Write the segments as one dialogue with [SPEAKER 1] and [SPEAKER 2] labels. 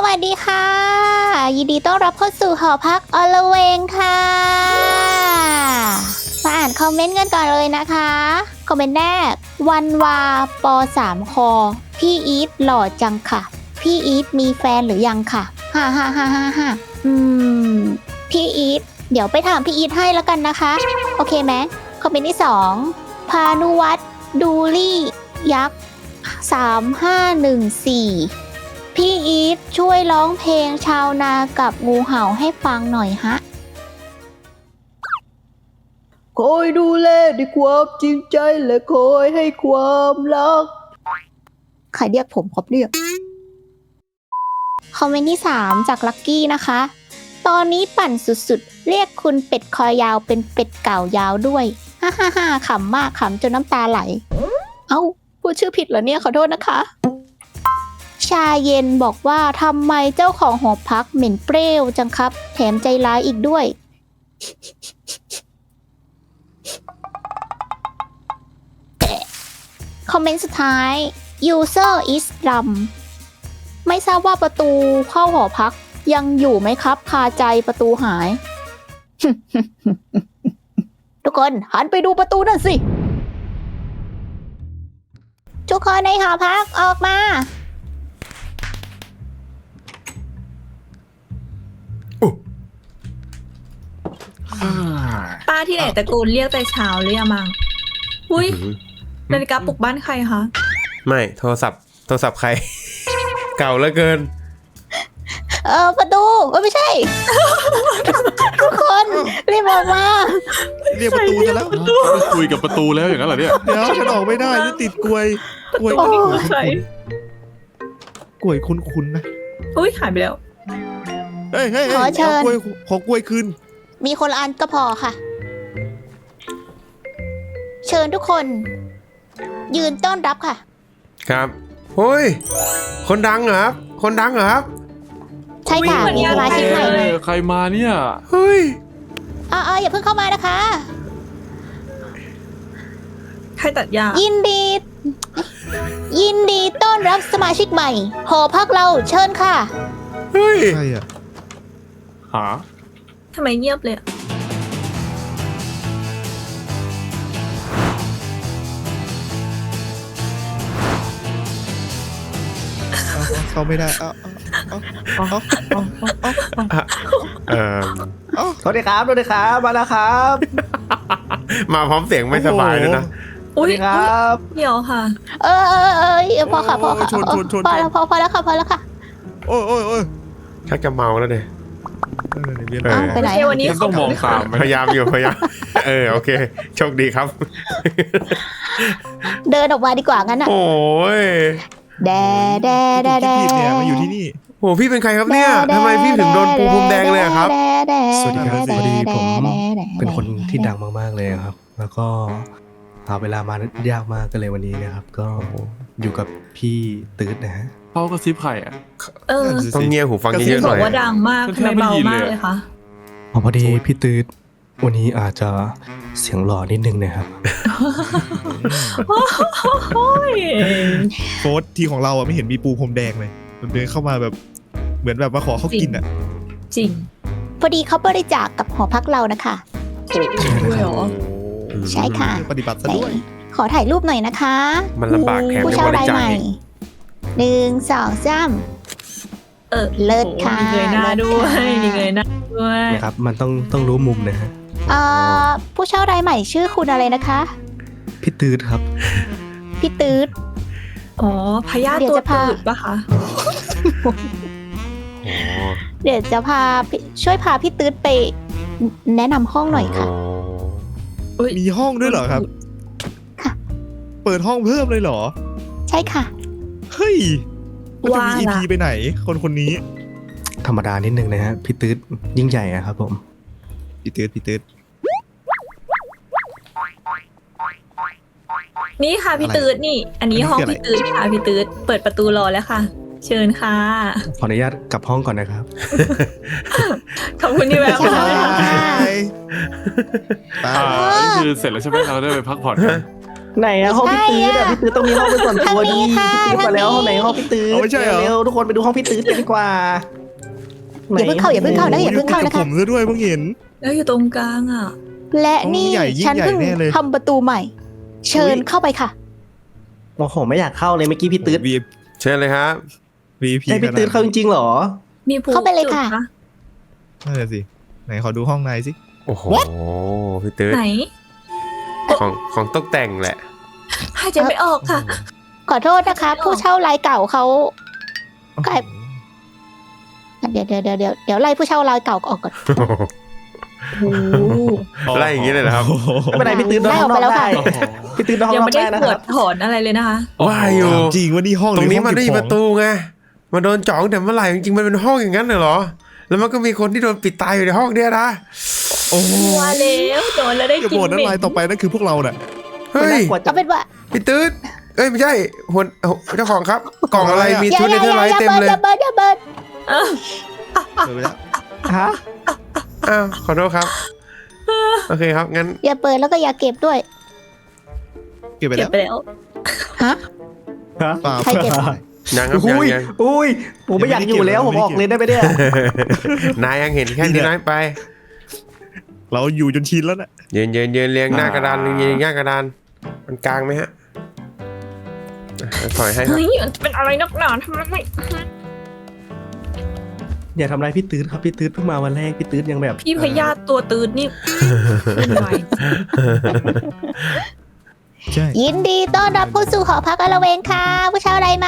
[SPEAKER 1] วัสดีค่ะยินดีต้อนรับเข้าสู่หอพักอลเวงค่ะมาอ่านคอมเมนต์กันก่อนเลยนะคะคอมเมนต์แรกวันวาป3คอพี่อีทหล่อจังค่ะพี่อีทมีแฟนหรือยังค่ะฮ่าฮ่าฮ่าฮ่าฮ่าพี่อีทเดี๋ยวไปถามพี่อีทให้แล้วกันนะคะโอเคไหมคอมเมนต์ที่2พานุวัฒน์ดูลี่ยักษ์3514พี่อีทช่วยร้องเพลงชาวนากับงูเห่าให้ฟังหน่อยฮะ
[SPEAKER 2] คอยดูแลด้วยความจริงใจและคอยให้ความรัก
[SPEAKER 1] ใครเรียกผมครับเนี่ยคอมเมนต์ที่3จากลักกี้นะคะตอนนี้ปั่นสุดๆเรียกคุณเป็ดคอยาวเป็นเป็ดเก่ายาวด้วยฮ่าฮ่าฮ่าขำมากขำจนน้ำตาไหลเอ้าพูดชื่อผิดเหรอเนี่ยขอโทษนะคะชาเย็นบอกว่าทำไมเจ้าของหอพักเหม็นเปรี้ยวจังครับแถมใจร้ายอีกด้วยคอมเมนต์สุดท้าย user is dumb ไม่ทราบว่าประตูเข้าหอพักยังอยู่ไหมครับคาใจประตูหาย ทุกคนหันไปดูประตูนั่นสิทุกคนในหอพักออกมา
[SPEAKER 3] ป้าที่ไหนตะโกนเรียกแต่เช้าเลยอะมังอุ้ยนาฬิกาปลุกบ้านใครคะ
[SPEAKER 4] ไม่โทรศัพท์ใคร เก่าเหลือเกิน
[SPEAKER 1] ประตูไม่ใช่ ทุกคนรีบออกมา
[SPEAKER 5] เรียกประตูจะแล้วคุยกับประตูแล้วอย่างนั้นเหรอเนี่ยเดี๋ยวฉันออกไม่ได้จะติดกลวยคุ้นๆนะ
[SPEAKER 3] อุ้ยหายไปแล้ว
[SPEAKER 5] เฮ้ยขอกล้วยคืน
[SPEAKER 1] มีคนละอันก็พอค่ะเชิญทุกคนยืนต้อนรับค่ะ
[SPEAKER 4] ครับเฮ้ยคนดังเหรอครับ
[SPEAKER 1] ใช่ค่ะมีสมาชิกใหม่
[SPEAKER 5] ใครมาเนี่ย
[SPEAKER 4] เฮ้ย
[SPEAKER 1] อย่าเพิ่งเข้ามานะคะ
[SPEAKER 3] ใครตัดหญ้า
[SPEAKER 1] ยินดีต้อนรับสมาชิกใหม่หอพักเราเชิญค่ะ
[SPEAKER 4] เฮ้ย
[SPEAKER 5] ใครอะหา
[SPEAKER 3] ทำไมเงียบเลยอะ
[SPEAKER 5] เข้าไม่ได้
[SPEAKER 2] สวัสดีครับมาแล้วครับ
[SPEAKER 4] มาพร้อมเสียงไม่สบายเลยนะ
[SPEAKER 3] สวัสดีครับเดี๋ยวค่ะ
[SPEAKER 1] พอค่ะพอแล้วค่ะ
[SPEAKER 5] โอ้ย
[SPEAKER 4] ชักจะเมาแล้วเนี่ย
[SPEAKER 1] ไปไหน
[SPEAKER 3] วันนี้
[SPEAKER 5] ต้องมองตาม
[SPEAKER 4] พยายามโอเคโชคดีครับ
[SPEAKER 1] เดินออกมาดีกว่างั้นอ่ะ
[SPEAKER 4] โอ้ย
[SPEAKER 1] แด
[SPEAKER 5] เนี่ยมาอยู่ที่นี่
[SPEAKER 4] โอ้พี่เป็นใครครับเนี่ยทำไมพี่ถึงโดนปูพรมแดงเลยครับ
[SPEAKER 6] สวัสดีครับพอดีผมเป็นคนที่ดังมากๆเลยครับแล้วก็หาเวลามายากมากก็เลยวันนี้นะครับก็อยู่กับพี่ตื๊ดนะฮะ
[SPEAKER 5] เขากระซิบใครอ่ะ
[SPEAKER 4] ต้องเงียบหูฟังเยอะๆหน่อย
[SPEAKER 3] บอกว่าดังมากทำไมเบามากเลยคะ
[SPEAKER 6] พอดีพี่ตื๊ดวันนี้อาจจะเสียงหล่อนิดนึงนะครับ
[SPEAKER 5] โค้ดทีของเราอ่ะไม่เห็นมีปูพรมแดงเลยมันเดินเข้ามาแบบเหมือนแบบมาขอเขากินอ่ะ
[SPEAKER 3] จริง
[SPEAKER 1] พอดีเขาบริจาคกับหอพักเรานะคะใช่ค่ะ
[SPEAKER 5] ปฏิบัติซะด้วย
[SPEAKER 1] ขอถ่ายรูปหน่อยนะคะ
[SPEAKER 4] มันลำบากแถม
[SPEAKER 1] ผู้เช่ารายใหม่1 2 3เลิศค่ะ
[SPEAKER 3] มีเงยหน้าด้วย
[SPEAKER 6] นะครับมันต้องรู้มุมนะฮะ
[SPEAKER 1] ผู้เช่ารายใหม่ชื่อคุณอะไรนะคะ
[SPEAKER 6] พี่ตื๊ดครับ
[SPEAKER 1] พี่ตื๊ด
[SPEAKER 3] พญาตัวตืดปะคะ
[SPEAKER 1] เดี๋ยวจะช่วยพาพี่ตื๊ดไปแนะนำห้องหน่อยค่ะ
[SPEAKER 5] มีห้องด้วยเหรอครับ
[SPEAKER 1] ค่ะ
[SPEAKER 5] เปิดห้องเพิ่มเลยเหรอ
[SPEAKER 1] ใช่ค่ะ
[SPEAKER 5] เฮ้ยมันจะมี EP ไปไหนคนนี้
[SPEAKER 6] ธรรมดานิดนึงนะฮะพี่ตื๊ดยิ่งใหญ่อะครับผม
[SPEAKER 5] พี่ตื๊ด
[SPEAKER 3] นี่ค่ะพี่ตื๊ดนี่อันนี้ห้องพี่ตื๊ดค่ะพี่ตื๊ดเปิดประตูรอแล้วค่ะเชิญค่ะ
[SPEAKER 6] ขออนุญาตกลับห้องก่อนนะครับ
[SPEAKER 3] ขอบคุณที่แวะมา
[SPEAKER 5] นี่คือเสร็จแล้วใช่ไหมเราได้ไปพักผ่อน
[SPEAKER 6] ไหนอะห้องพี่ตื้อ
[SPEAKER 1] ใช่
[SPEAKER 6] อะ
[SPEAKER 1] อะ
[SPEAKER 6] พี่ตื้อต้องมีห้องเป็นส่วนตัว
[SPEAKER 1] ทางนี้
[SPEAKER 6] ดี
[SPEAKER 1] ค่ะ
[SPEAKER 6] พี่ตื้อมาแล้ว
[SPEAKER 1] ทางนี้
[SPEAKER 6] ห้องไหนห้องพี่ตื้อ
[SPEAKER 5] เอาไม่ใช่เหรอ
[SPEAKER 6] เร็วๆทุกคนไปดูห้องพี่ตื้อกันดีกว่า
[SPEAKER 1] อย่าเพิ่งเข้าอย่าเพิ่งเข้านะ อย่าเพิ่งเข้านะคะ
[SPEAKER 5] ผมซะด้วยเพิ่งเห็น
[SPEAKER 3] แล้วอยู่ตรงกลางอ่ะ
[SPEAKER 1] และนี่
[SPEAKER 5] ห้องใหญ่ยิ่ง
[SPEAKER 1] ฉัน
[SPEAKER 5] ใหญ่
[SPEAKER 1] เพิ่ง
[SPEAKER 5] แน่เลย
[SPEAKER 1] ทำประตูใหม่ เชิญเข้าไปค่ะ
[SPEAKER 6] โอ้โหไม่อยากเข้าเลยเมื่อกี้พี่ตื้อ
[SPEAKER 4] เชิญเลยครับ
[SPEAKER 5] VIP
[SPEAKER 6] ให้พี่ตื้อเข้าจริงๆเหรอ
[SPEAKER 3] มีผู้
[SPEAKER 1] เข้าไปเลยค่ะ
[SPEAKER 3] จุดน
[SPEAKER 5] นั่นแหละสิไหนขอดูห้องในสิ
[SPEAKER 4] โอ้โหพี่ตื้อ
[SPEAKER 3] ไหน
[SPEAKER 4] ของตกแต่งแหละ
[SPEAKER 3] หายใจไม่ออกค่ะ
[SPEAKER 1] ขอโทษนะคะ ผู้เช่ารายเก่าเขากลายเดี๋ยวไล่ผู้เช่ารายเก่าออกก่อน
[SPEAKER 4] ไล่อย่างนี้เลยเหรอครับ
[SPEAKER 6] ไม่เป็นไรพี่ตื้อนอนข้างนอก
[SPEAKER 1] ไล่ออกไปแล้ว
[SPEAKER 6] ได้
[SPEAKER 1] ค่ะ
[SPEAKER 6] พี่ตื้อนอนข้าง
[SPEAKER 3] ยัง
[SPEAKER 6] นอ
[SPEAKER 3] ไม่
[SPEAKER 6] ก
[SPEAKER 3] ได้
[SPEAKER 6] ได้นะ
[SPEAKER 3] ป
[SPEAKER 6] คว รั
[SPEAKER 3] ด
[SPEAKER 6] บ
[SPEAKER 3] ถอนอะไรเลยนะคะ
[SPEAKER 4] ว่าอยู่
[SPEAKER 5] ถามจริงว่านี่ห้อง
[SPEAKER 4] ตรงนี้มัน
[SPEAKER 5] ห
[SPEAKER 4] ไม่
[SPEAKER 5] อ
[SPEAKER 4] มี
[SPEAKER 5] ห้อง
[SPEAKER 4] ประตูไงมันโดนจ่องแต่เมื่อไหร่จริงๆมันเป็นห้องอย่างนั้นเหรอ แล้วมันก็มีคนที่โดนปิดตายอยู่ในห้องเนี้ยนะ
[SPEAKER 5] โอ้โห
[SPEAKER 3] มาแล้วโดนแล้วได้
[SPEAKER 5] อย่า
[SPEAKER 3] กิน
[SPEAKER 5] บ่น
[SPEAKER 3] เห
[SPEAKER 5] นะ
[SPEAKER 3] ม็
[SPEAKER 5] ลายต่อไปนั่นคือพวกเราน่ะ
[SPEAKER 4] เฮ้ย
[SPEAKER 6] น่ากลัวจั
[SPEAKER 1] เอา
[SPEAKER 6] ง
[SPEAKER 1] เป็นว่า
[SPEAKER 4] พี่ตื้อเอ้ยไม่ใช่เจ้าของครับ กล่องอะไรมี
[SPEAKER 1] อย่า
[SPEAKER 4] ชุด
[SPEAKER 1] อ
[SPEAKER 4] ใน
[SPEAKER 1] ย่า
[SPEAKER 4] เทอร์ไลท์เต็มเลย
[SPEAKER 1] อย่าเบิร์ดอย่าเบิร์ด
[SPEAKER 3] เออ
[SPEAKER 5] เปิดไปแล้ว
[SPEAKER 6] ฮะ
[SPEAKER 4] อ้าวขอโทษครับโอเคครับงั้น
[SPEAKER 1] อย่าเปิดแล้วก็อย่าเก็บด้วย
[SPEAKER 5] เก็บไป
[SPEAKER 3] เก็
[SPEAKER 5] แล้
[SPEAKER 3] บ
[SPEAKER 5] ว
[SPEAKER 3] ไปแล้ว
[SPEAKER 1] ฮะ
[SPEAKER 5] เปล่า
[SPEAKER 1] ใครเก็บ
[SPEAKER 4] ยังครับ
[SPEAKER 6] อุ้ย
[SPEAKER 4] ยัง
[SPEAKER 6] อุ้ยผมไม่อยากอยู่แล้วผมออกเลยได้ไหมเนี่ย
[SPEAKER 4] นายยังเห็นแค่นี้น้อยไป
[SPEAKER 5] เราอยู่จนชินแล้วน่ะ
[SPEAKER 4] ยืนเรียงหน้ากระดานยืนหน้ากระดานมันกลางไหมฮะถอยให้ครับ
[SPEAKER 3] เฮ้ยมันเป็นอะไรนักหนาทำไมไม่
[SPEAKER 6] อย่าทำร้ายพี่ตื้อครับพี่ตื้อเพิ่งมาวันแรกพี่ตื้อยังแบบ
[SPEAKER 3] พี่พยาธิตัวตื่นนี่ขึ้นไว
[SPEAKER 5] ใช่
[SPEAKER 1] ยินดีต้อนรับเข้าสู่หอพักอละเวงค่ะ ผู้เช่ารายใหม่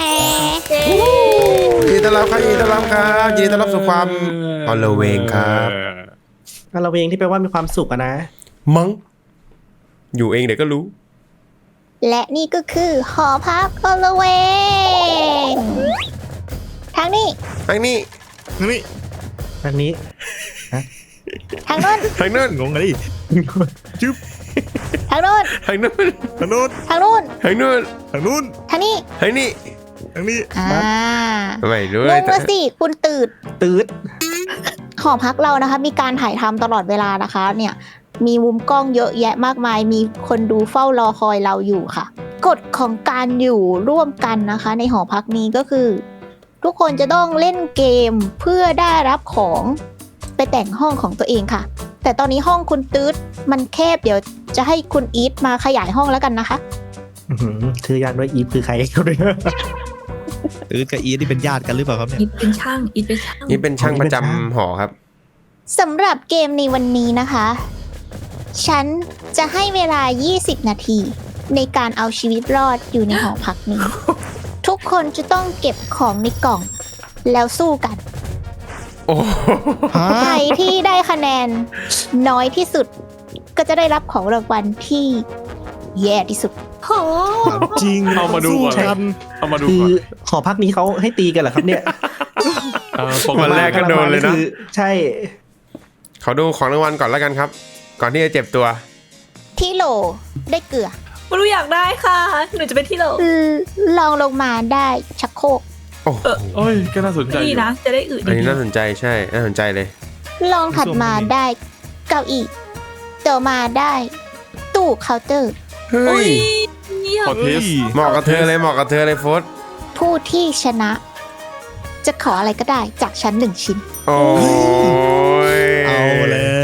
[SPEAKER 4] ยินดีต้อนรับครับยินดีต้อนรับครับยินดีต้อนรับสู่ความอลเวงครับ
[SPEAKER 6] เราเองที่แปลว่ามีความสุขอะนะ
[SPEAKER 4] มั้งอยู่เองเดี๋ยวก็รู้
[SPEAKER 1] และนี่ก็คือหอพักอละเวงทางนี้
[SPEAKER 4] ทางนี้
[SPEAKER 5] นี่
[SPEAKER 6] อันนี้
[SPEAKER 1] ทางโน้น
[SPEAKER 4] ทางนู้น
[SPEAKER 5] งงกันดิจุ๊บ
[SPEAKER 1] ทางโน้น
[SPEAKER 4] ทางนู้น
[SPEAKER 5] ทางโน้น
[SPEAKER 1] ทางโน้น
[SPEAKER 4] ทางนู้น
[SPEAKER 5] ทางนู้น
[SPEAKER 1] ทางนี้
[SPEAKER 4] ทางนี้
[SPEAKER 5] ทางนี้
[SPEAKER 1] อ่า
[SPEAKER 4] ไม่รู้
[SPEAKER 1] ง
[SPEAKER 4] เลย
[SPEAKER 1] งละสิคุณตื่น
[SPEAKER 6] ตื้อ
[SPEAKER 1] หอพักเรานะคะมีการถ่ายทำตลอดเวลานะคะ เนี่ยมีมุมกล้องเยอะแยะมากมาย มีคนดูเฝ้ารอคอยเราอยู่ค่ะ กฎของการอยู่ร่วมกันนะคะ ในหอพักนี้ก็คือ ทุกคนจะต้องเล่นเกมเพื่อได้รับของไปแต่งห้องของตัวเองค่ะ แต่ตอนนี้ห้องคุณตื๊ดมันแคบเดี๋ยวจะให้คุณอีทมาขยายห้องแล้วกันนะคะ
[SPEAKER 6] ชื่อยากด้วยอีฟคือใครเขาด้วย
[SPEAKER 5] ตื้อกับอีนี่เป็นญาติกันหรือเปล่าครับเนี่ย
[SPEAKER 3] อีทเป็นช่างอีทเป็นช่าง
[SPEAKER 4] นี่เป็นช่างประจำหอครับ
[SPEAKER 1] สำหรับเกมในวันนี้นะคะ ฉันจะให้เวลา 20 นาที ในการเอาชีวิตรอดอยู่ในหอพักนี้ ทุกคนจะต้องเก็บของในกล่อง แล้วสู้กัน
[SPEAKER 4] โอ้
[SPEAKER 5] ฮะ
[SPEAKER 1] ใครที่ได้คะแนนน้อยที่สุด ก็จะได้รับของรางวัลที่แย่ที่สุด
[SPEAKER 3] โห
[SPEAKER 5] ถามจริง
[SPEAKER 7] เอามาดูก่อน
[SPEAKER 5] สู้กัน
[SPEAKER 7] เอามาดู
[SPEAKER 6] คือ
[SPEAKER 7] ก่อน
[SPEAKER 6] หอพักนี้เขาให้ตีกันเหรอครับเนี่ย
[SPEAKER 7] ปก
[SPEAKER 4] วัน
[SPEAKER 7] ติ
[SPEAKER 4] แรกก็โดนเลยนะ
[SPEAKER 6] คือใช่
[SPEAKER 4] ขอดูของรางวัลก่อนแล้วกันครับ ก่อนที่จะเจ็บตัว
[SPEAKER 1] ที่โหลได้เกลือ
[SPEAKER 3] ไม่รู้อยากได้ค่ะ หนูจะเป็นที่เรา
[SPEAKER 1] ลองลงมาได้ชักโครก
[SPEAKER 4] โอ้โห
[SPEAKER 7] เอ้ยก็น่าสนใจอ
[SPEAKER 3] ดี
[SPEAKER 7] ยู่
[SPEAKER 3] นะ จะได้อึ
[SPEAKER 4] อัน
[SPEAKER 3] ดี
[SPEAKER 4] นี้น่าสนใจใช่ น่าสนใจเลย
[SPEAKER 1] ลองถัดมาได้เก้าอี้ต่อมาได้ตู้เคาน์เตอร์
[SPEAKER 4] เฮ้
[SPEAKER 3] อุ้
[SPEAKER 4] ย
[SPEAKER 3] ย
[SPEAKER 7] ขอเทส
[SPEAKER 4] เหมาะกับเธอเลย เหมาะกับเธอเลยโฟส
[SPEAKER 1] ผู้ที่ชนะ จะขออะไรก็ได้จากชั้นหนึ่งชิ้น
[SPEAKER 4] โอ้ย
[SPEAKER 5] เอาแล้ว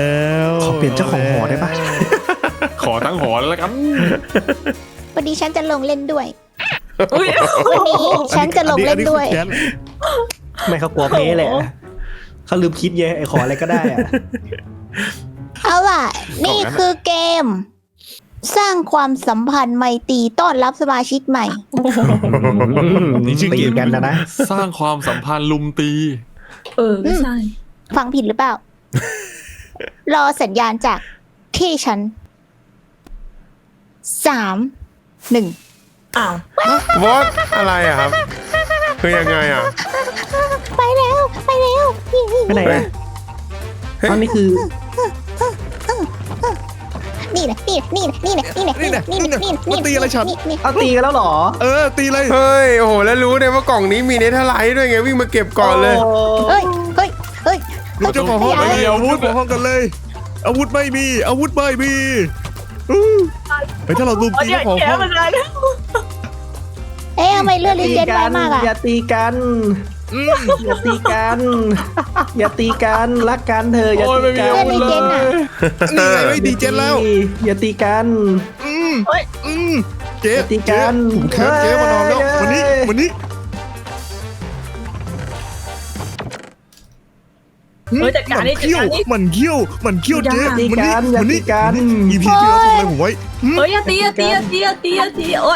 [SPEAKER 6] ขอเปลี่ยนเจ้าของหอได้ปะ
[SPEAKER 7] ขอทั้งหอแล้วกัน
[SPEAKER 1] วันนี้ฉันจะลงเล่นด้วย
[SPEAKER 3] อุ้ย
[SPEAKER 1] วันนี้ฉันจะลงเล่นด้วย
[SPEAKER 5] อัคือแค้น
[SPEAKER 6] ไม่เขากลัวเพ้แหละเขาลืมคิดไงไอ้ขออะไรก็ได้อะ
[SPEAKER 1] เอาล่ะ นี่คือเกม สร้างความสัมพันธ์ไมตรีต้อนรับสมาชิกใหม่
[SPEAKER 5] นี่ชื่อเก
[SPEAKER 6] ตี
[SPEAKER 5] ม
[SPEAKER 6] กันนะ
[SPEAKER 7] สร้างความสัมพันธ์ลุมตี
[SPEAKER 3] ไม่ใช่
[SPEAKER 1] ฟังผิดหรือเปล่า รอสัญญาณจากที่ฉัน 3 1
[SPEAKER 3] อ้าว
[SPEAKER 4] โฟสอะไรอะครับ คือยังไงอะ
[SPEAKER 1] ไปแล้ว ไปแล้ว
[SPEAKER 6] ไปไหนอะตอนนี้คือ
[SPEAKER 1] นี่นะนี่นะนี่นะนี่นะนี่นะนี่นะนี่นะนี่นะ
[SPEAKER 5] มันตีอะไรฉัน
[SPEAKER 1] นี่
[SPEAKER 6] เอาตีกันแล้วเหรอ
[SPEAKER 5] เออตีเลย
[SPEAKER 4] เฮ้ย โอ้โห แล้วรู้เนี่ยว่ากล่องนี้มีเนเธอร์ไลท์ด้วยไง วิ่งมาเก็บก่อนเลย
[SPEAKER 1] เฮ้ยเฮ้ยเฮ้ย
[SPEAKER 5] เจ้าของห้อง
[SPEAKER 1] ไม่
[SPEAKER 5] ไม่
[SPEAKER 1] เอา
[SPEAKER 5] มีอาวุธเจ้าของห้องกันเลย อาวุธไม่มี อาวุธไม่มีเฮ้ยถ้าเราลุมตี
[SPEAKER 3] เดี๋ยว
[SPEAKER 5] ของ
[SPEAKER 3] แก
[SPEAKER 5] ห้อง
[SPEAKER 3] มันเลย
[SPEAKER 1] เอ๊ะทำไมเลือดลิเจนไวมากอะ
[SPEAKER 2] อย่าตีกัน อย่าตีกัน อย่าตีกัน รักกันเธอะอย่า
[SPEAKER 7] โอ้ย
[SPEAKER 2] ตี
[SPEAKER 7] ไม่มี
[SPEAKER 2] กั
[SPEAKER 7] อาน วุธเลย
[SPEAKER 5] นี่ไงไม่ดีเจนแล้ว
[SPEAKER 2] อย่าตีกัน
[SPEAKER 5] เจ๊
[SPEAKER 2] ตีกัน
[SPEAKER 5] ผมแค้นเจ๊มานอนแล้ววันนี้
[SPEAKER 3] เฮ้ยจัดการนี่จัด
[SPEAKER 5] เขี้ยว
[SPEAKER 3] การนี่
[SPEAKER 5] มันเขี้ยวเจ๊
[SPEAKER 2] อย่าตีกันอย่า
[SPEAKER 5] วัน
[SPEAKER 2] ตี
[SPEAKER 5] นี้
[SPEAKER 2] กัน
[SPEAKER 5] อีพีที่แล้วทำอะไรผมไว้
[SPEAKER 3] เฮ้ยอย่าตีอย่าตีอย่าตีอย่าตีอย่าตีโอ๊ย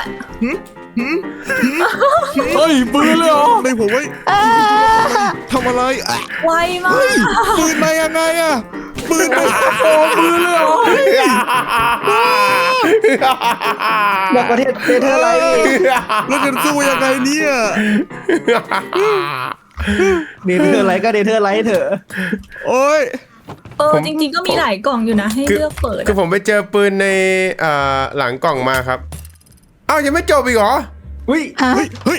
[SPEAKER 7] เฮ้ยปืนเลยเหรอ
[SPEAKER 5] ในผมไว้ทำอะไรอ่ะ
[SPEAKER 3] ไวมาก
[SPEAKER 5] เฮ้ยปืนมายังไงอ่ะปืนมา
[SPEAKER 7] โอ้ปืนเลยเหรอ
[SPEAKER 2] บอกประเทศเธออะไร
[SPEAKER 5] แล้วจะสู้ยังไงเนี่ย
[SPEAKER 2] เดเธออะไรก็เดเธออะไรเถอะ
[SPEAKER 5] โอ้ย
[SPEAKER 3] จริงๆก็มีหลายกล่องอยู่นะให้เลือกเปิด
[SPEAKER 4] คือผมไปเจอปืนในหลังกล่องมาครับอ้าวยังไม่จบอีกเหรอ
[SPEAKER 2] อุ้ย
[SPEAKER 5] เฮ้ย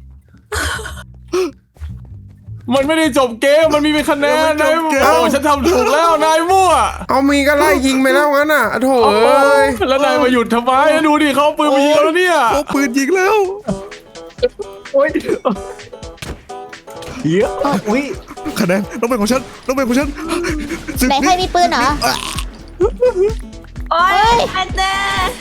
[SPEAKER 7] มันไม่ได้จบเกมมันมีเป็นคะแนน
[SPEAKER 5] มันไม่
[SPEAKER 7] นาย
[SPEAKER 5] จบเกม
[SPEAKER 7] โอ้ฉันทำถูกแล้วนายมั่ว
[SPEAKER 4] เอามีก็ไล่ยิงไปแล้วงั้นอ่ะโถเอ้ย
[SPEAKER 7] แล้วนายมาหยุดทำไมดูดิเขาเอาปืนมายิงแล้วเนี่ย
[SPEAKER 5] โอ้ปืนยิงแล้ว
[SPEAKER 2] โอ้ยเยอะอุ้ย
[SPEAKER 5] คะแนนต้องเป็นของฉันศึก
[SPEAKER 1] ไหนใครมีปืนเหรอ
[SPEAKER 3] โอ๊ยอันเน่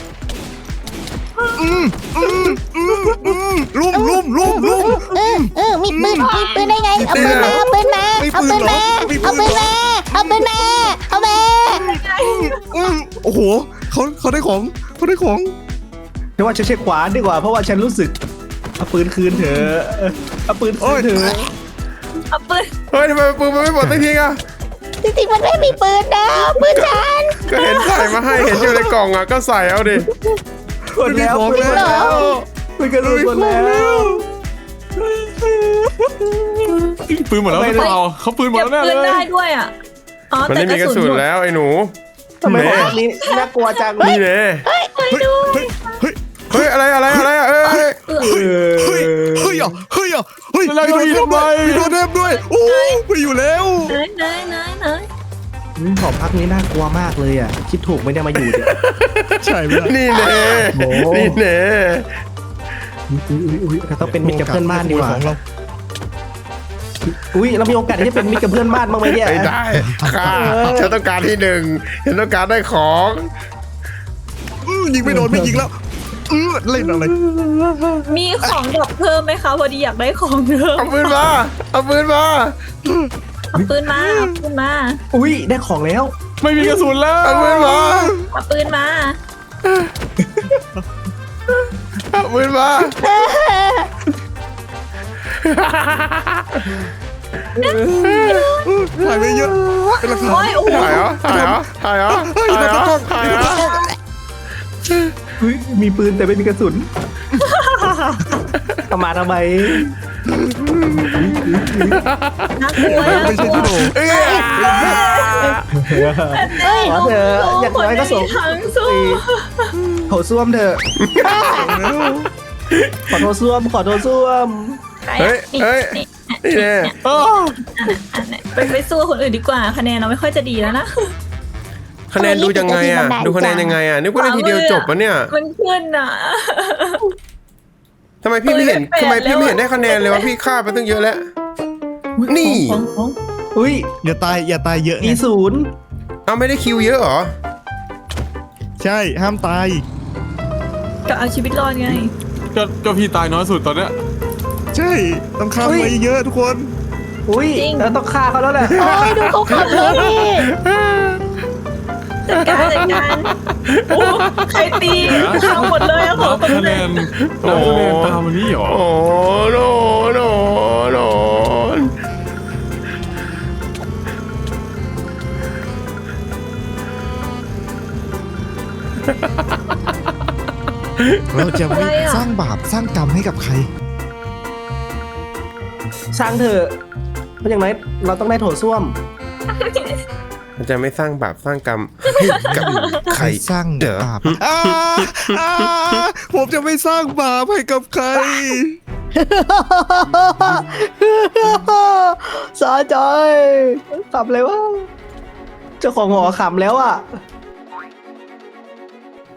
[SPEAKER 5] ลุ่ม
[SPEAKER 1] มีปืนได้ไง เอาปืนมา เอาปืนมา เอาปืนมา เอาปืนมา เอาปืนมา เอามา
[SPEAKER 5] โอ้โหเขาได้ของ
[SPEAKER 2] ฉันว่าฉันเช็คขวาดีกว่าเพราะว่าฉันรู้สึกเอาปืนคืนเถอะเอาปืนคืนเถอะ
[SPEAKER 3] เอาปืน
[SPEAKER 4] เฮ้ยทำไมปืนมันไม่หมดสักทีอ่ะ
[SPEAKER 1] จริงๆมันไม่มีปืนนะปืนฉัน
[SPEAKER 4] ก็เห็นใส่มาให้เห็นอยู่ในกล่องอ่ะก็ใส่เอาดิ
[SPEAKER 2] หมดแล้ว
[SPEAKER 5] ไม่มีของแล้ว
[SPEAKER 2] ปืนกระสุนหมดแล้ว
[SPEAKER 7] ปืนหมดแล้วหรือเปล่าเขาปืนหมด
[SPEAKER 3] เก็บ
[SPEAKER 7] แล้วแน่
[SPEAKER 3] ปืน
[SPEAKER 7] เล
[SPEAKER 3] ได้
[SPEAKER 7] ย
[SPEAKER 3] ด้วยอ่ะอ๋อ
[SPEAKER 4] มัน
[SPEAKER 3] แต่
[SPEAKER 4] ไม่
[SPEAKER 3] ก
[SPEAKER 4] มีก
[SPEAKER 3] ระ
[SPEAKER 4] ระ
[SPEAKER 3] สุ
[SPEAKER 4] สุ
[SPEAKER 3] น
[SPEAKER 4] น
[SPEAKER 3] หมด
[SPEAKER 4] แล้วไอ้หนู
[SPEAKER 2] ทำไมพวกนี้น่ากลัวจัง
[SPEAKER 4] นี่เน่
[SPEAKER 5] เฮ้ย
[SPEAKER 4] อะไรอ่ะ
[SPEAKER 5] เฮ้ย
[SPEAKER 7] แล้วเรามีทำไม
[SPEAKER 5] มีโดนเทมด้วยโอ้ไปอยู่แล้ว
[SPEAKER 3] ไหน
[SPEAKER 2] หอพักนี้น่ากลัวมากเลยอ่ะคิดถูกไม่ได้มาอยู่เนี่ย
[SPEAKER 5] ใช่ไหม
[SPEAKER 4] นี่เน่
[SPEAKER 2] โอ้
[SPEAKER 4] นี่เน่
[SPEAKER 2] อุ้ยเราต้องเป็นมิตรกับเพื่อนบ้านดีกว่า
[SPEAKER 5] ของเรา
[SPEAKER 2] อุ้ยเรามีโอกาสที่จะเป็นมิตรกับเพื่อนบ้านบ้างไหมเนี่ย
[SPEAKER 4] ไม่ได้ค่ะฉันต้องการที่หนึ่งฉันต้องการได้ของ
[SPEAKER 5] ยิงไม่โดนไม่ยิงแล้วเล่นอะไร
[SPEAKER 3] มีของดรอปเพิ่มไหมคะพอดีอยากได้ของเพิ่ม
[SPEAKER 4] เอาปืนมาเอาปืนมา
[SPEAKER 3] เอาปืนมาเอาปืนมา
[SPEAKER 2] อุ้ยได้ของแล้ว
[SPEAKER 7] ไม่มีกระสุนแล้ว
[SPEAKER 4] เอาปืนมา
[SPEAKER 3] เอาปืนมา
[SPEAKER 4] เอาปืนมา
[SPEAKER 5] ถ่ายไปเยอะเป็นหลักฐาน
[SPEAKER 3] โอ้ยโอ้โห
[SPEAKER 4] ถ่ายเหรอถ่ายเหรอ
[SPEAKER 2] อุ้ยมีปืนแต่ไม่มีกระสุนเอามาทำไม
[SPEAKER 3] น่ากลัว
[SPEAKER 5] ไม่ใช่ที่โด
[SPEAKER 4] เอ้ย
[SPEAKER 2] ขอเถอะอย่างน้อยก็ส่ง
[SPEAKER 3] ทั้งสู้
[SPEAKER 2] โถส้วมเถอะขอโทษส้วมขอโทษส้วม
[SPEAKER 4] เฮ้ยนี่เน่
[SPEAKER 3] ไปสู้คนอื่นดีกว่าคะแนนเราไม่ค่อยจะดีแล้วนะ
[SPEAKER 4] คะแนนดูยังไงอ่ะดูคะแนนยังไงอ่ะนึกว่าได้ทีเดียวจบปะเนี่ย
[SPEAKER 3] มันขึ้นอ่ะ
[SPEAKER 4] ทำไมพี่ไม่เห็นได้คะแนนเลยวะพี่ฆ่าไปตั้งเยอะแล้วนี่
[SPEAKER 2] อุ้ย
[SPEAKER 5] อย่าตายเยอะไง
[SPEAKER 2] มีศูนย์
[SPEAKER 4] เอาไม่ได้คิวเยอะเหรอ
[SPEAKER 5] ใช่ห้ามตาย
[SPEAKER 3] ก็เอาชีวิตรอดไง
[SPEAKER 7] ก็พี่ตายน้อยสุดตอนเนี้ย
[SPEAKER 5] ใช่ต้องข้ามไปเยอะทุกคน
[SPEAKER 2] อุ้ย
[SPEAKER 3] จริง
[SPEAKER 2] เราต้องฆ่าเขาแล้วแหละ
[SPEAKER 1] โอ้ยดูเขาขับรถดิ
[SPEAKER 3] จัดการโอ้ใครตีทั้งหมดเลยอะขอ
[SPEAKER 7] นับ
[SPEAKER 3] คน
[SPEAKER 7] คะแน
[SPEAKER 3] เลย
[SPEAKER 7] นนับคะแนนตามวันนี้เหรอ
[SPEAKER 4] โอ้โน
[SPEAKER 5] เราจะไม่สร้างบาปสร้างกรรมให้กับใคร
[SPEAKER 2] สร้างเถอะเพราะอย่างไรเราต้องได้โถส้วม
[SPEAKER 4] มันจะไม่สร้างบาปสร้างกรรมให้กับใคร
[SPEAKER 5] สร้าง
[SPEAKER 4] เด้อบ
[SPEAKER 5] าปผมจะไม่สร้างบาปให้กับใคร
[SPEAKER 2] สาใจขำเลยวะเจ้าของหอขำแล้วอ่ะ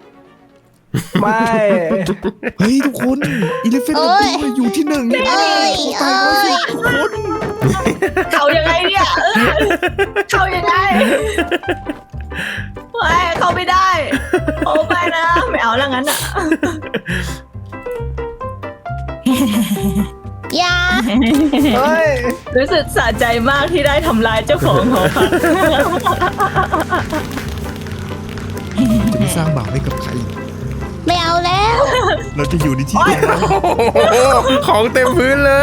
[SPEAKER 2] ไม่
[SPEAKER 5] เฮ้ยทุกคนอีเลฟเฟนต์อยู่ที่หนึ่งเนี่ย
[SPEAKER 1] เอ้ยเอ้ย
[SPEAKER 3] เขายังไงเนี่ยเขายังไงไม่เขาไม่ได้โอ้ไปนะไม่เอาแล้วงั้นอ่ะ
[SPEAKER 1] อย่า
[SPEAKER 2] เฮ้ย
[SPEAKER 3] รู้สึกสะใจมากที่ได้ทำลายเจ้าของหอพัก
[SPEAKER 5] จะไม่สร้างบาปให้กับใคร
[SPEAKER 1] ไม่เอาแล้ว
[SPEAKER 5] เราจะอยู่ในที่เดียวกัน
[SPEAKER 4] โอ้โหของเต็มพื้นเลย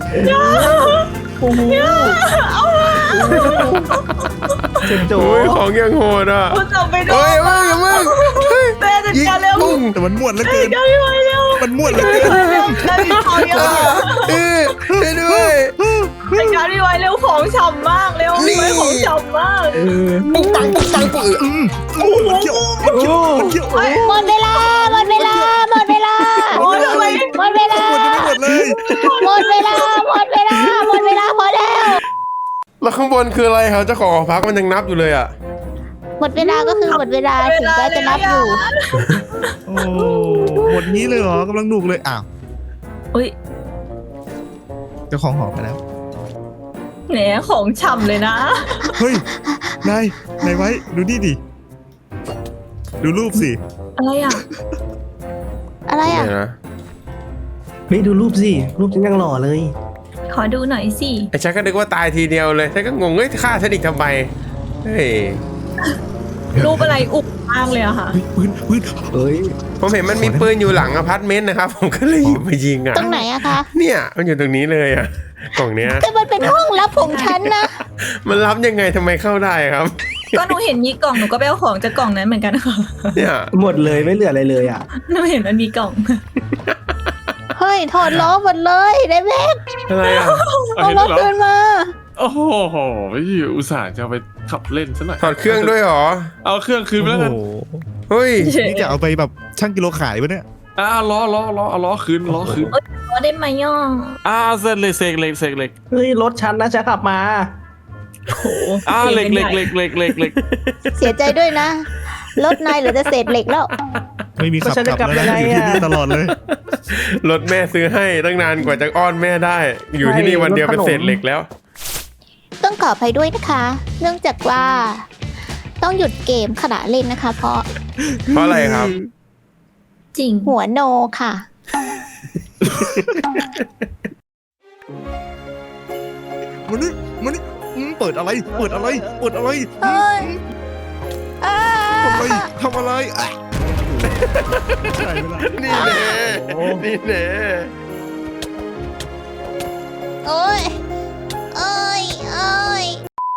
[SPEAKER 2] เจ็บโจ
[SPEAKER 4] โอ้ยของยังโหดอ่ะ
[SPEAKER 3] คุณจับไปด้ว
[SPEAKER 4] เฮ้
[SPEAKER 3] ย
[SPEAKER 4] ยมึงอย่ามึง
[SPEAKER 3] แม่จัด
[SPEAKER 4] ยิง
[SPEAKER 3] การเร็ว
[SPEAKER 4] ปุ้ง
[SPEAKER 5] แต่มันม่วนเหลือ
[SPEAKER 3] จั
[SPEAKER 5] เกิ
[SPEAKER 3] ด
[SPEAKER 5] น
[SPEAKER 3] การไม่ไหวเร็ว
[SPEAKER 5] มันม่วนเหลือเกิน
[SPEAKER 3] เร็วแล้วมีของเยอะ
[SPEAKER 4] ช่วยด้วย
[SPEAKER 3] จัดการไม่ไหวเร็วของฉ่ำมากเร็ว
[SPEAKER 4] นี่
[SPEAKER 3] ไม่ของฉ่ำมาก
[SPEAKER 4] ปุ้งปังปุ้งปังปุ้ง
[SPEAKER 5] มันเกี่ยวมันเกี่ยวมันเกี่ยว
[SPEAKER 1] หมดเวลา หมดเวลา หมดเวลา
[SPEAKER 3] โอ้ยทำไม
[SPEAKER 1] หมดเวลา
[SPEAKER 5] หมดยังไม่หมดเลย
[SPEAKER 1] หมดเวลา หมดเวลา หมดเวลาพอแล้ว
[SPEAKER 4] แล้วข้างบนคืออะไรครับเจ้าของหอพักมันยังนับอยู่เลยอ่ะ
[SPEAKER 1] หมดเวลาก็คือหมดเวลาถึงแม้จะนับอยู่
[SPEAKER 5] โอ้หมดนี้เลยเหรอกำลังหนุกเลยอ้าว
[SPEAKER 3] อุ้ย
[SPEAKER 5] เจ้าของหอไปแล้ว
[SPEAKER 3] แหนของฉ่ำเลยนะ
[SPEAKER 5] เฮ้ยนายไว้ดูนี่ดิดูรูปสิ
[SPEAKER 3] อะไรอ่ะ
[SPEAKER 1] อะไรอ่ะ
[SPEAKER 4] เนี่ยนะ
[SPEAKER 2] เฮ้ยดูรูปสิ รูปฉันยังหล่อเลย
[SPEAKER 3] ขอดูหน่อยสิ
[SPEAKER 4] ไอ้ฉันก็นึกว่าตายทีเดียวเลยฉันก็งงเฮ้ยฆ่าฉันอีกทำไมเฮ้ย
[SPEAKER 3] รูปอะไรอุบมากเลยอะค่ะ
[SPEAKER 5] เฮ้ยปืน
[SPEAKER 2] เฮ้ย
[SPEAKER 4] ผมเห็นมันมีปืนอยู่หลังอพาร์ตเมนต์นะครับ ผมก็เลยหยิบมายิงอ่ะ
[SPEAKER 1] ตรงไหนอะคะ
[SPEAKER 4] เนี่ยมันอยู่ตรงนี้เลยอ่ะกล่องเนี้ย
[SPEAKER 1] แต่มันเป็นห้องลับของฉันนะ
[SPEAKER 4] มันรับยังไงทำไมเข้าได้ครับ
[SPEAKER 3] ก็หนูเห็นมีกล่องหนูก็ไปเอาของจากกล่องนั้นเหมือนกันค่ะ
[SPEAKER 4] เนี่ย
[SPEAKER 2] หมดเลยไม่เหลืออะไรเลยอ่ะ
[SPEAKER 3] หนูเห็นมันมีกล่อง
[SPEAKER 1] เฮ้ย ถอดล้อหมดเลยได้ไหม
[SPEAKER 4] อะไรอ่ะ
[SPEAKER 1] เอารถเดินมา
[SPEAKER 7] โอ้โหพี่อุตส่าห์จะเอาไปขับเล่นซะหน่อย
[SPEAKER 4] ถอดเครื่องด้วยเหรอ
[SPEAKER 7] เอาเครื่องคืนไปแล้วกัน
[SPEAKER 4] เฮ้ย
[SPEAKER 5] นี่จะเอาไปแบบช่างกิโลขายปะเนี่ย
[SPEAKER 7] ล้อเอาล้อคืนล้อคืน
[SPEAKER 3] ก็ได้ไหมย่อ
[SPEAKER 7] เส้นเหล็กเสกเหล็กเสกเหล็ก
[SPEAKER 2] เฮ้ยรถฉันนะฉันขับมา
[SPEAKER 3] โอ้โห
[SPEAKER 7] เหล็ก
[SPEAKER 1] เสียใจด้วยนะ รถนายเหลือแต่เศษเหล็กแล้ว
[SPEAKER 5] ไม่มีขับ
[SPEAKER 2] ก็ฉันจะ
[SPEAKER 5] กลับแล้ว
[SPEAKER 2] กลั
[SPEAKER 5] นะ
[SPEAKER 2] บ
[SPEAKER 5] อ
[SPEAKER 2] ยังไง
[SPEAKER 5] ยู่ที่นี่
[SPEAKER 2] อะ
[SPEAKER 5] ตลอดเลย
[SPEAKER 4] รถแม่ซื้อให้ตั้งนานกว่าจะอ้อนแม่ได้ อยู่ที่นี่วันเดียวเป็นเศษเหล็กแล้ว
[SPEAKER 1] ต้องขออภัยด้วยนะคะ เนื่องจากว่า ต้องหยุดเกมขณะเล่นนะคะ เพราะ
[SPEAKER 4] เพราะอะไรครับ
[SPEAKER 3] จริง
[SPEAKER 1] หัวโนค่ะ
[SPEAKER 5] มันนี่เปิดอะไรเปิดอะไรเปิดอะไร
[SPEAKER 1] เอ้ยอ้า
[SPEAKER 5] ทำอะไรอ่ะใช่ไหมล่ะ
[SPEAKER 4] นี่แน่นี่แน่
[SPEAKER 1] โอ้ยเอ้ยเอ้ย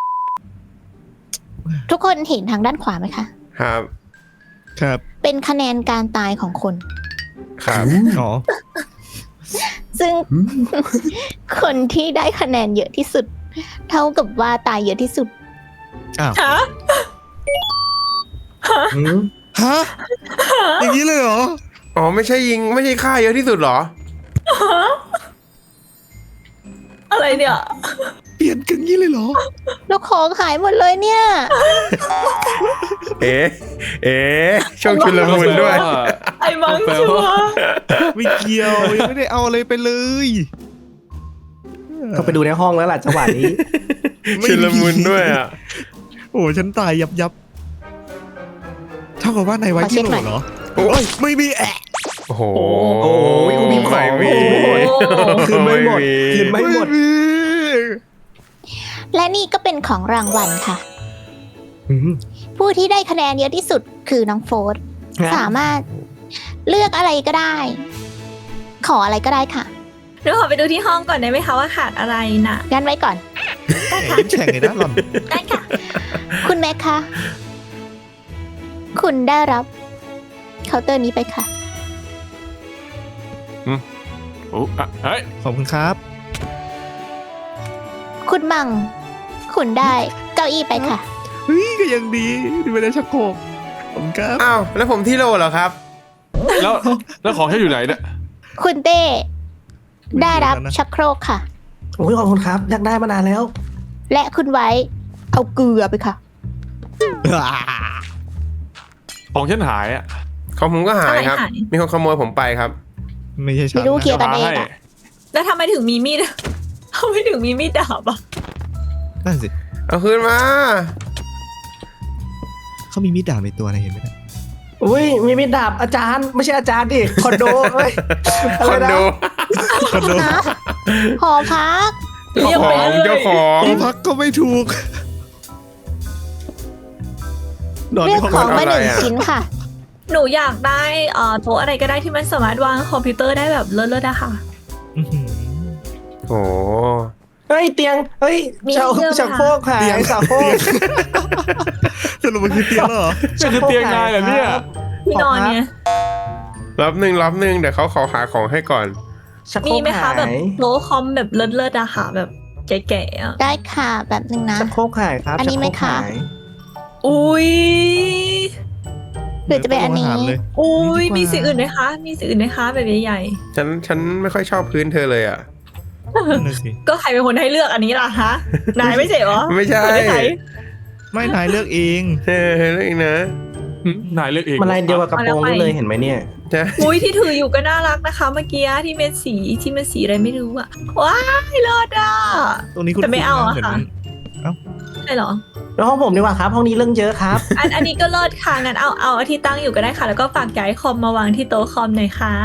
[SPEAKER 1] ทุกคนเห็นทางด้านขวาไหมคะ
[SPEAKER 4] ครับ
[SPEAKER 5] ครับ
[SPEAKER 1] เป็นคะแนนการตายของคน
[SPEAKER 4] ครับ
[SPEAKER 5] อ๋อ
[SPEAKER 1] ซึ่ง คนที่ได้คะแนนเยอะที่สุด เท่ากับว่าตายเยอะที่สุด
[SPEAKER 5] อ้าว
[SPEAKER 3] ฮะ
[SPEAKER 5] ฮะอย่างนี้เลยเหรอ
[SPEAKER 4] อ๋อไม่ใช่ยิงไม่ใช่ฆ่าเยอะที่สุดเหรอ
[SPEAKER 3] อะไรเนี่ย
[SPEAKER 5] เปลี่ยนกันงี้เลยเหรอ
[SPEAKER 1] แล้วของหายหมดเลยเนี่ย
[SPEAKER 4] เอ๊ะช่วงชุลมุนด้วย
[SPEAKER 3] ไอ้มังชัวร์
[SPEAKER 5] ไม่เกี่ยวยังไม่ได้เอาอะไรไปเลย
[SPEAKER 2] ก็ไปดูในห้องแล้วล่ะจังหวะนี้
[SPEAKER 4] ชุลมุนด้วยอ่ะ
[SPEAKER 5] โอ้ฉันตายยับเท่ากับว่านายไว้
[SPEAKER 1] ขอเช็
[SPEAKER 5] ที่
[SPEAKER 1] ค
[SPEAKER 5] โหล
[SPEAKER 1] หน่อย
[SPEAKER 5] เหรอโอ้ยไม่มีแอะ
[SPEAKER 4] โอ้โห
[SPEAKER 2] โอ้ยมีของ
[SPEAKER 4] ไม่มี
[SPEAKER 2] คืนไม่หมดคืนไม่หมด
[SPEAKER 5] มี
[SPEAKER 1] และนี่ก็เป็นของรางวัลค่ะ
[SPEAKER 2] อืม
[SPEAKER 1] ผู้ที่ได้คะแนนเยอะที่สุดคือน้องโฟร์สามารถเลือกอะไรก็ได้ ขออะไรก็ได้ค่ะ
[SPEAKER 3] เดี๋ยวขอไปดูที่ห้องก่อนได้ไหมคะว่าขาดอะไรน่ะ
[SPEAKER 1] งั้นไว้ก่อน
[SPEAKER 5] แข่งเลยนะหล่อน
[SPEAKER 3] ได้ค่ะ
[SPEAKER 1] คุณแม็กคะ คุณได้รับเคาน์เตอร์นี้ไปค่ะ
[SPEAKER 7] โอ้เฮ้ย
[SPEAKER 5] ขอบคุณครับ
[SPEAKER 1] คุณมัง คุณได้เก้าอี้ไปค่ะ
[SPEAKER 5] เฮ้ยก็ยังดีที่ไม่ได้ชักโครกขอบคุณครับ
[SPEAKER 4] อ้าวแล้วผมที่โลเหรอครับ
[SPEAKER 7] แล้วของแค่อยู่ไหนเนี่ย
[SPEAKER 1] คุณเต้ได้รับชักโครกค่ะ
[SPEAKER 2] โอ้ยขอบคุณครับอยากได้มานานแล้ว
[SPEAKER 1] และคุณไว้เอาเกลือไปค่ะ
[SPEAKER 7] ของฉันหายอ่ะ
[SPEAKER 4] ของผมก็หายครับ
[SPEAKER 3] อะไรหาย
[SPEAKER 4] มีคนขโมยผมไปครับ
[SPEAKER 5] ไม่ใช่ฉัน
[SPEAKER 1] ไม่รู้เคลียร์
[SPEAKER 5] นะ
[SPEAKER 1] กันเองอะ
[SPEAKER 3] แล้วทำไมถึงมีมีด ทำไมถึงมีมีดดาบอ่ะ
[SPEAKER 5] นั่นสิ
[SPEAKER 4] เอาคืนมา
[SPEAKER 5] เขามีมีดดาบในตัวนะเห็นไหมเนี่ย
[SPEAKER 2] อุ้ยมีมีดดาบอาจารย์ไม่ใช่อาจารย์ดิคอนโดเอ้ย
[SPEAKER 4] คอนโด
[SPEAKER 5] คอนโด
[SPEAKER 1] นะหอพัก
[SPEAKER 3] เรียกไปเลย
[SPEAKER 4] เจ้าของ
[SPEAKER 5] ที่พักก็ไม่ถูกนอน
[SPEAKER 1] เรี
[SPEAKER 5] ใน
[SPEAKER 1] ยก
[SPEAKER 5] ห้อง
[SPEAKER 1] ของ
[SPEAKER 5] นอน
[SPEAKER 1] มา
[SPEAKER 4] อะไร
[SPEAKER 1] 1
[SPEAKER 4] อะ
[SPEAKER 1] ชิ้นค่ะ
[SPEAKER 3] หนูอยากได้โต๊ะอะไรก็ได้ที่มันสามารถวางคอมพิวเตอร์ได้แบบเลิศๆอะค่ะ
[SPEAKER 5] อื้อหือ
[SPEAKER 4] โอ้
[SPEAKER 2] เฮ้ยเตียงเฮ้ย
[SPEAKER 3] มี
[SPEAKER 2] ชัก
[SPEAKER 3] เรื่อง
[SPEAKER 2] ชักโครกหายชักโครก
[SPEAKER 5] สรุปมันคือเตียงแล้วเหรอ
[SPEAKER 7] จะคือเตียงนายเหรอเนี่ย
[SPEAKER 3] ที่นอนเนี่ย
[SPEAKER 4] รับหนึ่งเดี๋ยวเขาขอหาของให้ก่อน
[SPEAKER 2] ชักโคร
[SPEAKER 3] มี
[SPEAKER 2] ก
[SPEAKER 3] ไหมคะ
[SPEAKER 2] หาย
[SPEAKER 3] แบบโต๊ะคอมแบบเลิศๆอะค่ะแบบแก่ๆอะ
[SPEAKER 1] ได้ค่ะแบบนึงนะ
[SPEAKER 2] ชักโครกหายครับ
[SPEAKER 1] อันนี้ไหม
[SPEAKER 2] ชักโรก
[SPEAKER 1] คะ
[SPEAKER 2] หาย
[SPEAKER 3] อุ้ย
[SPEAKER 1] หรือจะเป็นอันนี้
[SPEAKER 5] อาหารเลย
[SPEAKER 3] อุ้ย
[SPEAKER 5] ดีกว่า
[SPEAKER 3] มีสิ่งอื่นไหมคะ มีสิ่งอื่นไหมคะแบบใหญ่
[SPEAKER 4] ฉันไม่ค่อยชอบพื้นเธอเลยอ่ะ
[SPEAKER 5] นั่นนะสิ
[SPEAKER 3] ๆก็ใครเป็นคนให้เลือกอันนี้ล่ะฮะนายไม่ใช่เหรอ
[SPEAKER 4] ไม่ใช่
[SPEAKER 3] คนห้ใคร
[SPEAKER 5] ไม่นายเลือกเอง
[SPEAKER 4] เออเรื่องอีกนะ
[SPEAKER 7] นายเลือกเอง
[SPEAKER 2] มันลายเดียวกับกระโปรงนี่เลยเห็นไหมเนี่ย
[SPEAKER 4] ใช่
[SPEAKER 3] อุ้ยที่ถืออยู่ก็น่ารักนะคะ เมื่อกี้ที่เป็นสีอะไรไม่รู้อะว้ายเลิศอะ
[SPEAKER 5] ตรงนี้คุณ
[SPEAKER 3] แต่ไม่เอาอะ
[SPEAKER 5] เหมืน
[SPEAKER 3] ค่ะ ใช่เหรอ
[SPEAKER 2] แล้วห้องผมดีกว่าครับห้องนี้เรื่องเยอะครับ
[SPEAKER 3] อันนี้ก็เลิศค่ะงั้นเอาที่ตั้งอยู่ก็ได้ค่ะ แล้วก็ฝากย้ายคอมมาวางที่โต๊ะคอมหน่อยค่ะ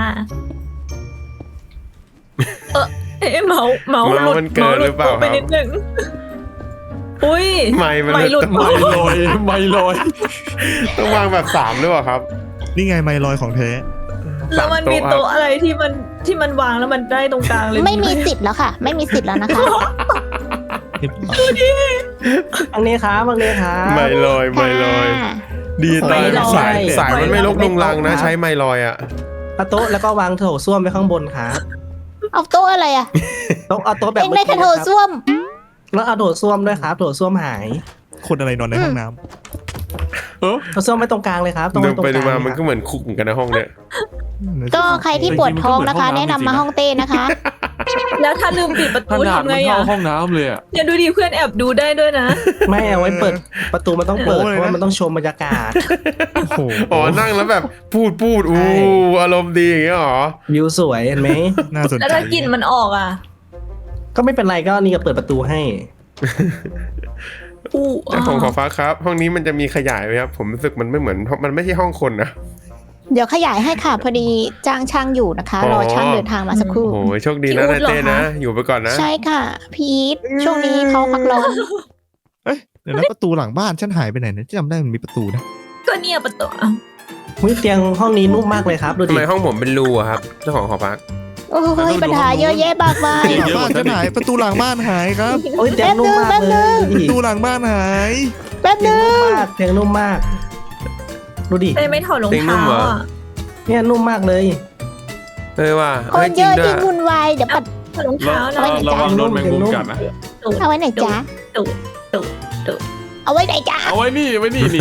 [SPEAKER 3] เมาหลุด
[SPEAKER 4] มันเกินหรือเปล่า
[SPEAKER 3] ไป
[SPEAKER 4] ครับ
[SPEAKER 3] นิดนึงอุ้ย
[SPEAKER 4] ไม่มัน
[SPEAKER 3] ไม่หลุด
[SPEAKER 4] ต้อง
[SPEAKER 7] ไม่ลอยไม่ลอย
[SPEAKER 4] ต้องวางแบบ3หรือเปล่าครับ
[SPEAKER 5] นี่ไงไมลอยของแท้
[SPEAKER 3] แล้วมันมีโต๊ะอะไรที่มันวางแล้วมันได้ตรงกลางเลย
[SPEAKER 1] ไม่มีสิทธิ์แล้วค่ะ ไม่มีสิทธิ์แล้วนะคะ
[SPEAKER 2] อันนี้ครับอันนี้ครับ
[SPEAKER 4] ไม่ลอย
[SPEAKER 1] ค่ะ
[SPEAKER 4] ดีตาย
[SPEAKER 2] ไม่ลอย
[SPEAKER 4] สายมันไม่ลกลงลังนะ
[SPEAKER 2] ไม่ตกครับ
[SPEAKER 4] ใช้ไม่ลอยอ่ะ
[SPEAKER 2] เอาโต๊ะแล้วก็วางโถส้วมไว้ข้างบนครับ
[SPEAKER 1] เอาโต๊ะอะไรอ่ะ
[SPEAKER 2] โต๊ะเอาโต๊ะแบบ
[SPEAKER 1] เองได้แค่โถส้วม
[SPEAKER 2] แล้วเอาโถส้วมด้วยครับโถส้วมหาย
[SPEAKER 5] คนอะไรนอนในห้องน้
[SPEAKER 2] โถส้วมไม่ตรงกลางเลยครับตรง
[SPEAKER 4] ดู
[SPEAKER 2] ตรง
[SPEAKER 4] ไป
[SPEAKER 2] ก
[SPEAKER 4] ดู
[SPEAKER 2] ลาง
[SPEAKER 4] มามันก็เหมือนคุกเหมือนกันนะห้องเนี้ย
[SPEAKER 5] ำ
[SPEAKER 1] ก็ใครที่ปวดท้องนะคะ แนะนำมาห้องเต้นะคะ
[SPEAKER 3] แล้วถ้าลืมปิดประ
[SPEAKER 7] ข
[SPEAKER 3] ตู
[SPEAKER 7] นาด
[SPEAKER 3] ทำ
[SPEAKER 7] มั
[SPEAKER 3] ไง
[SPEAKER 7] นเข้า
[SPEAKER 3] อ่ะ
[SPEAKER 7] ห้องน้ำเลยอ่ะ
[SPEAKER 3] เนี่ยดูดิเพื่อนแอบดูได้ด้วยนะ
[SPEAKER 2] ไม่เอาไว้เปิดประตูมันต้องเปิดเพราะว่ามันต้องชมบรรยากาศ
[SPEAKER 5] โอ้โห
[SPEAKER 4] อ๋อนั่งแล้วแบบพูดอู้
[SPEAKER 2] ใช่
[SPEAKER 4] อารมณ์ดีอย่างเงี้ยหรอ
[SPEAKER 2] วิวสวยเห็นไหม
[SPEAKER 5] น่าสนใจ
[SPEAKER 3] แล้วถ้ากลิ่นมันออกอ่ะ
[SPEAKER 2] ก็ไม่เป็นไรก็นี่ก็เปิดประตูให้
[SPEAKER 3] อู้
[SPEAKER 4] แต่ผมขอฟ้าครับ ห้องนี้มันจะมีขยายไหมครับ ผมรู้สึกมันไม่เหมือนมันไม่ใช่ห้องคนนะ
[SPEAKER 1] เดี๋ยวขยายให้ค่ะ พอดีจ้างช่างอยู่นะคะ
[SPEAKER 4] อ๋อ
[SPEAKER 1] รอช่างเดินทางมาสักครู่
[SPEAKER 4] โอ้ยโชคดีนะนายเต้นะ อยู่ไปก่อนนะ
[SPEAKER 1] ใช่ค่ะ พีทช่วงนี้เขาพักร้อน
[SPEAKER 5] เอ้ยเดี๋ยวนะประตูหลังบ้านฉันหายไปไหนนะจำได้มันมีประตูนะ
[SPEAKER 3] ก็เนี่ยประตูอ้าว
[SPEAKER 2] หุ้ยเตียงห้องนี้นุ่มมากเลยครับดู
[SPEAKER 4] ทำ
[SPEAKER 2] ดิ
[SPEAKER 4] ไมห้องผมเป็นรูอะครับ เจ้าของหอพัก
[SPEAKER 1] โอ้ยปัญหาเยอะแยะมากมาย
[SPEAKER 5] หลังบ้านฉันหายประตูหลังบ้านหายครับ
[SPEAKER 2] โอ้ยเตียงนุ่มมาก
[SPEAKER 1] แป๊บนึ
[SPEAKER 2] เล
[SPEAKER 1] ง
[SPEAKER 2] ยดู
[SPEAKER 5] ป
[SPEAKER 2] ดิ
[SPEAKER 5] ระตูหลังบ้านหาย
[SPEAKER 1] แป๊บ
[SPEAKER 2] เตียง
[SPEAKER 1] นึ
[SPEAKER 2] นุ่ม
[SPEAKER 1] ง
[SPEAKER 2] มากเตียงนุ่มมากดูดิ
[SPEAKER 3] แต่ไม่ถอดรอง
[SPEAKER 4] จริงนุ่
[SPEAKER 3] เท้าม
[SPEAKER 4] เหรอ
[SPEAKER 3] อ่ะ
[SPEAKER 2] เนี่ยนุ่มมากเลย
[SPEAKER 4] เฮ้ยว่า
[SPEAKER 1] ค
[SPEAKER 4] เฮ้ย
[SPEAKER 1] น
[SPEAKER 4] จ
[SPEAKER 1] เย
[SPEAKER 4] ริง
[SPEAKER 1] อะ
[SPEAKER 4] ด้วย
[SPEAKER 1] ที่วุ่นวายเดี๋ยวปัด
[SPEAKER 3] ถอดรองเท้านะ
[SPEAKER 7] ระวังโดนแมงมุมกัดนะ
[SPEAKER 1] เอาไว้ไหนจ๊ะ เอาไว้ไหนจ๊ะ
[SPEAKER 7] เอาไว้นี่นี่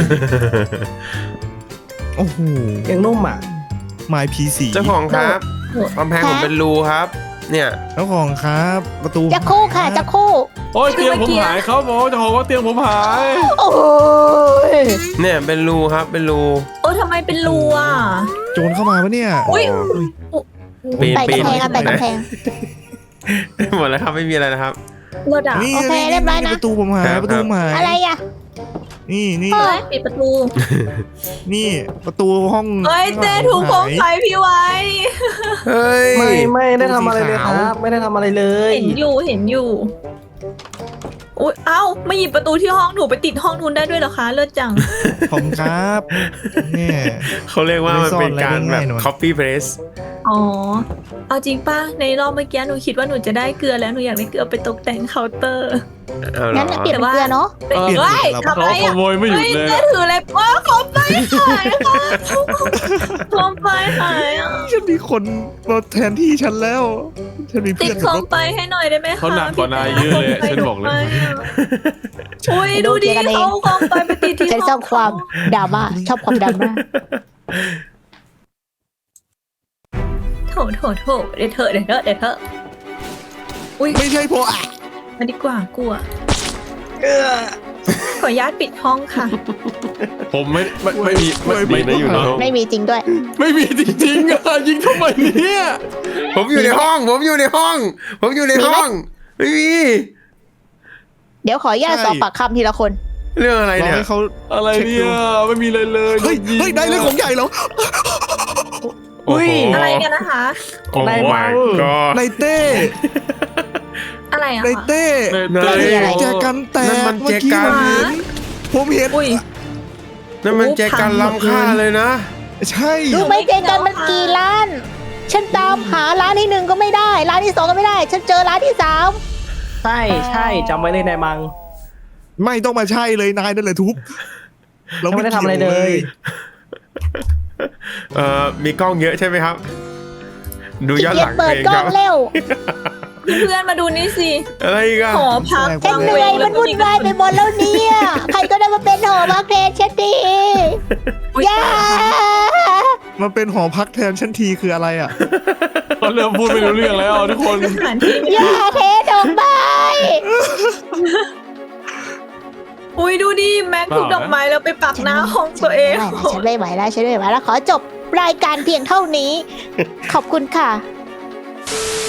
[SPEAKER 5] โอ้โห
[SPEAKER 2] เตียงนุ่มอ่ะ
[SPEAKER 5] ไมล์พีสี
[SPEAKER 4] เจ้าของครับกำแพงผมเป็นรูครับ เนี่ย
[SPEAKER 5] เจ้าของครับประตู
[SPEAKER 1] จะคู่ค่ะจะคู่
[SPEAKER 7] โอ้ยเตียงผมหายเขาบอกจะบอกว่าเตียงผมหาย
[SPEAKER 1] โอ้ย
[SPEAKER 4] เนี่ยเป็นรูครับเป็นรู
[SPEAKER 3] โอ้ทำไมเป็นรูอ่ะ
[SPEAKER 5] โจรเข้ามาปะเนี่ย
[SPEAKER 3] อุ๊ย
[SPEAKER 4] ปีน
[SPEAKER 1] ไต่
[SPEAKER 4] ปีน
[SPEAKER 1] กำแพงค่ะไต่กำแพง
[SPEAKER 4] หมดแล้วครับไม่มีอะไรนะครับ
[SPEAKER 3] รถอ่ะ
[SPEAKER 5] นี่
[SPEAKER 1] โอเคเรียบร้อยนะ
[SPEAKER 5] ประตูผมหาย
[SPEAKER 4] ครับ
[SPEAKER 5] ประตูผมหาย
[SPEAKER 1] อะไรอ่ะ
[SPEAKER 5] นี่
[SPEAKER 3] เฮ้ยปิดประตู
[SPEAKER 5] นี่ประตูห้อง
[SPEAKER 3] เฮ้ยเต้ถูกโคมไฟพี่ไว้
[SPEAKER 4] เฮ้ย
[SPEAKER 2] ไม่ได้ทำอะไรเลยครับ ไม่ได้ทำอะไรเลย
[SPEAKER 3] เห็นอยู่อุ้ยเอ้ามาหยิบประตูที่ห้องหนูไปติดห้องนู้นได้ด้วยเหรอคะเลิศจัง
[SPEAKER 5] ผมครับเนี่ย
[SPEAKER 4] เขาเรียกว่ามันเป็นการแบบ
[SPEAKER 5] ไม่ซ่อนอะไรได้ง่ายหน่อย
[SPEAKER 4] copy paste
[SPEAKER 3] อ๋อ เอาจริงป่ะ ในรอบเมื่อกี้หนูคิดว่าหนูจะได้เกลือแล้วหนูอยากได้เกลือไปตกแต่งเคาน์เตอร์
[SPEAKER 4] เอาเหร
[SPEAKER 1] งั้น
[SPEAKER 4] อ
[SPEAKER 1] เปลี่ยนเป็นเกลือเนาะ
[SPEAKER 3] เฮ้ยทำ
[SPEAKER 7] เขา
[SPEAKER 3] ไม
[SPEAKER 7] ข
[SPEAKER 3] อ่ะ
[SPEAKER 7] โมยไม่หยุด
[SPEAKER 3] เฮ้ย
[SPEAKER 7] เลย
[SPEAKER 3] เต้ถืออะไรว้าโคมไฟหายค่ะโคมไฟหายอ่ะ
[SPEAKER 5] ฉันมีคนมาแทนที่ฉันแล้ว ฉันมี
[SPEAKER 3] ติ
[SPEAKER 5] เพื่
[SPEAKER 3] ด
[SPEAKER 5] อน
[SPEAKER 3] โคมไฟให้หน่อยได้ไหมคะ
[SPEAKER 7] เขาหนักกว่านายเยอะเลย ฉันบอกเลย
[SPEAKER 3] อุ้ยดูดิเอาโคมไฟไปติดที่
[SPEAKER 1] ฉันชอบความดราม่าชอบความดราม่า
[SPEAKER 3] โถเดี๋ยวเถอะอุ้ย
[SPEAKER 5] ไม่ใช่เพราะอ่ะ
[SPEAKER 3] มาดีกว่ากลัวขออนุญาตปิดห้องค่ะ
[SPEAKER 7] ผมไม่มีไม่นะอยู่ในห้อง
[SPEAKER 1] ไม่มีจริงด้วย
[SPEAKER 7] ไม่มีจริงๆอ่ะยิงทำไมเนี่ย
[SPEAKER 4] ผมอยู่ในห้อง ผมอยู่ในห้อง ผมอยู่ในห้อง ไม่มี
[SPEAKER 1] เดี๋ยวขออนุญาตสอบปากคำทีละคน
[SPEAKER 4] เรื่องอะไร
[SPEAKER 5] รอ
[SPEAKER 4] เนี่ย
[SPEAKER 5] ให้เขา
[SPEAKER 7] อะไรเนี่ยไม่มีเลยเลย
[SPEAKER 5] เฮ้ยเฮ้ยได้เรื่องของใหญ่แล้ว
[SPEAKER 4] โอ้โห
[SPEAKER 3] อะไรกันนะคะ
[SPEAKER 4] โอ้ my god
[SPEAKER 5] ในเต้
[SPEAKER 3] อะไรอะ
[SPEAKER 5] ใน
[SPEAKER 3] คะ
[SPEAKER 5] เต้
[SPEAKER 4] ใน
[SPEAKER 1] อะไร
[SPEAKER 5] แจกันแตก
[SPEAKER 4] นั่นมัน
[SPEAKER 5] เมื่อ
[SPEAKER 4] แจ
[SPEAKER 5] กี้
[SPEAKER 4] กัน
[SPEAKER 5] ผมเห็น
[SPEAKER 3] อุ้ย
[SPEAKER 4] นั่นมันแจกันล้ำค่าเลยนะ
[SPEAKER 5] ใช่
[SPEAKER 1] รู้ไหมเจกันมันกี่ร้าน ฉันตามหาร้านที่หนึ่งก็ไม่ได้ ร้านที่สองก็ไม่ได้ ฉันเจอร้านที่สาม
[SPEAKER 8] ใช่ใช่จำไว้เลยนายมัง
[SPEAKER 5] ไม่ต้องมาใช่เลยนายนั่นแหละทุบ
[SPEAKER 8] ยังไม่ได้ทำอะไรเลย
[SPEAKER 4] มีกล้องเยอะใช่ไหมครับ ดูย้อน
[SPEAKER 1] เกี
[SPEAKER 4] ห
[SPEAKER 1] ย
[SPEAKER 4] ลัง
[SPEAKER 1] เปิด
[SPEAKER 4] เอง
[SPEAKER 1] กล้
[SPEAKER 4] ค
[SPEAKER 1] อ
[SPEAKER 4] รั
[SPEAKER 1] ง
[SPEAKER 4] บ
[SPEAKER 1] เร็ว
[SPEAKER 3] เพื่อนมาดูนี่สิ
[SPEAKER 4] อะไรอีกัน
[SPEAKER 3] หอพัก
[SPEAKER 1] ฉันเหนื่อยมันวุ่นวายไปหมดแล้วเนี่ย ใครก็ได้มาเป็นหอพักแทนฉันดี
[SPEAKER 3] อุ๊ย
[SPEAKER 1] ย่า
[SPEAKER 5] มาเป็นหอพักแทนชั้นทีคืออะไรอ่ะ
[SPEAKER 7] เขาเริ่มพูดไม่รู้เรื่องแล้วทุกคน
[SPEAKER 3] สถานที่
[SPEAKER 1] ย่าเทดอกไม้
[SPEAKER 3] อุ้ยดูดิแม็กถูกดอกไม้แล้วไปปักหน้าห้องตัวเอง
[SPEAKER 1] ฉันไม่ไหวแล้วฉันไม่ไหวแล้วขอจบรายการเพียงเท่านี้ ขอบคุณค่ะ